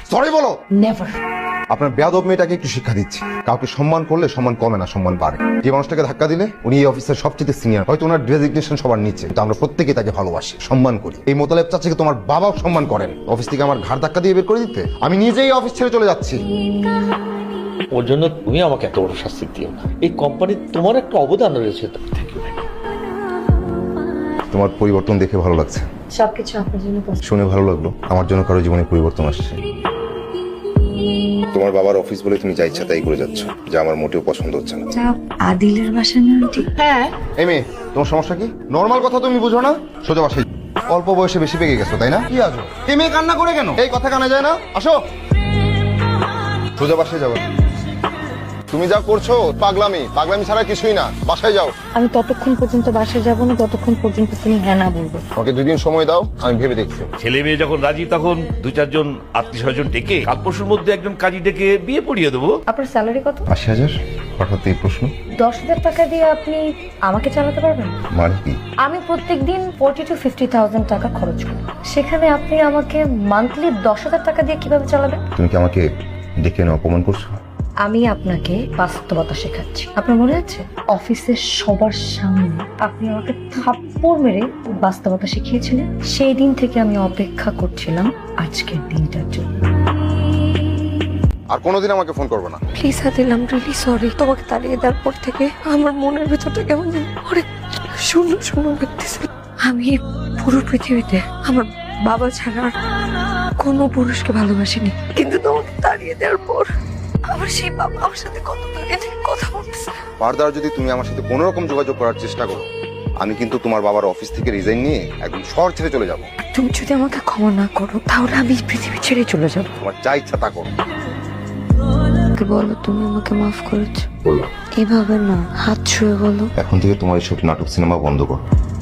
Sorry বলো। Never. আপনার বেয়াদব মেয়েটাকে একটু শিক্ষা দিচ্ছি, কাউকে সম্মান করলে সম্মান কমে না, সম্মান বাড়ে। যে মানুষটাকে ধাক্কা দিলে উনি এই অফিসের সবচেয়ে সিনিয়র, হয়তো ওনার ডেজিগনেশন সবার নিচে, কিন্তু আমরা প্রত্যেকে তাকে ভালোবাসি, সম্মান করি। এই মোতালেব চাচাকে তোমার বাবাও সম্মান করেন। অফিস থেকে আমার ঘাড় ধাক্কা দিয়ে বের করে দিতে আমি নিজেই অফিস ছেড়ে চলে যাচ্ছি। ওর জন্য তুমি আমাকে এত বড় শাস্তি দিও না। এই কোম্পানির তোমার একটা অবদান রয়েছে। তোমার পরিবর্তন দেখে ভালো লাগছে, সবকিছু আপনার জন্য শুনে ভালো লাগলো। আমার জন্য কারো জীবনে পরিবর্তন আসছে। তোমার বাবার অফিস বলে তুমি যা ইচ্ছা তাই করে যাচ্ছ, যা আমার মোটেও পছন্দ হচ্ছে না। আদিলের বাসা না আন্টি? হ্যাঁ। এই মেয়ে, তোমার সমস্যা কি? নর্মাল কথা তুমি বুঝো না? সোজা বাসায়। অল্প বয়সে বেশি পেকে গেছো তাই না? কি আছো? এই মেয়ে কান্না করে কেন? এই কথা কানে যায় না? আসো, সোজা বাসায় যাবো। তুমি যা করছো পাগলামি, পাগলামি ছাড়া কিছুই না। বাসায় যাও। আমি ততক্ষণ পর্যন্ত বাসায় যাব না যতক্ষণ পর্যন্ত তুমি হ্যাঁ না বলবে। আমাকে 2 দিন সময় দাও, আমি ভেবে দেখছি। ছেলে মেয়ে যখন রাজি তখন 2-4 আত্মীয় স্বজন ডেকে কাল পরশুর মধ্যে একজন কাজী ডেকে বিয়ে পড়িয়ে দেবো। আপনার স্যালারি কত? 80,000। হঠাৎ এই প্রশ্ন? 10,000 টাকা দিয়ে আপনি আমাকে চালাতে পারবেন? মানে কি? আমি প্রত্যেকদিন 40,000 to 50,000 টাকা খরচ করি, সেখানে আপনি আমাকে মান্থলি 10,000 টাকা দিয়ে কিভাবে চালাবেন? তুমি কি আমাকে ডেকে এনে অপমান করছো? আমি আপনাকে বাস্তবতা শেখাচ্ছি। আপনার মনে আছে অফিসের সবার সামনে আপনি আমাকে থাপ্পড় মেরে বাস্তবতা শিখিয়েছিলেন? সেই দিন থেকে আমি অপেক্ষা করছিলাম আজকের দিনটার জন্য। আর কোনোদিন আমাকে ফোন করবে না। Please Adil, I am really sorry. তোমাকে তাড়িয়ে দেওয়ার পর থেকে আমার মনের ভিতরটা কেমন যেন অনেক শূন্য শূন্য লাগতেছিল। আমি এই পুরো পৃথিবীতে আমার বাবা ছাড়া আর কোনো পুরুষকে ভালোবাসিনি, কিন্তু তোমাকে তাড়িয়ে দেওয়ার পর আমার সেই বাবা আমার সাথে কত দাঁড়িয়ে থেকে কথা বলতেছে। ফার্দার যদি তুমি আমার সাথে কোনো রকম যোগাযোগ করার চেষ্টা করো, আমি কিন্তু তোমার বাবার অফিস থেকে রিজাইন নিয়ে একদম শহর ছেড়ে চলে যাব। তুমি যদি আমাকে ক্ষমা না করো তাহলে আমি এই পৃথিবী ছেড়ে চলে যাবো। তোমার যা ইচ্ছা তা করো। বলো তুমি আমাকে মাফ করেছো। বললাম এভাবে না, হাত ছুঁয়ে বলো। এখন থেকে তোমার এসব নাটক সিনেমা বন্ধ করো।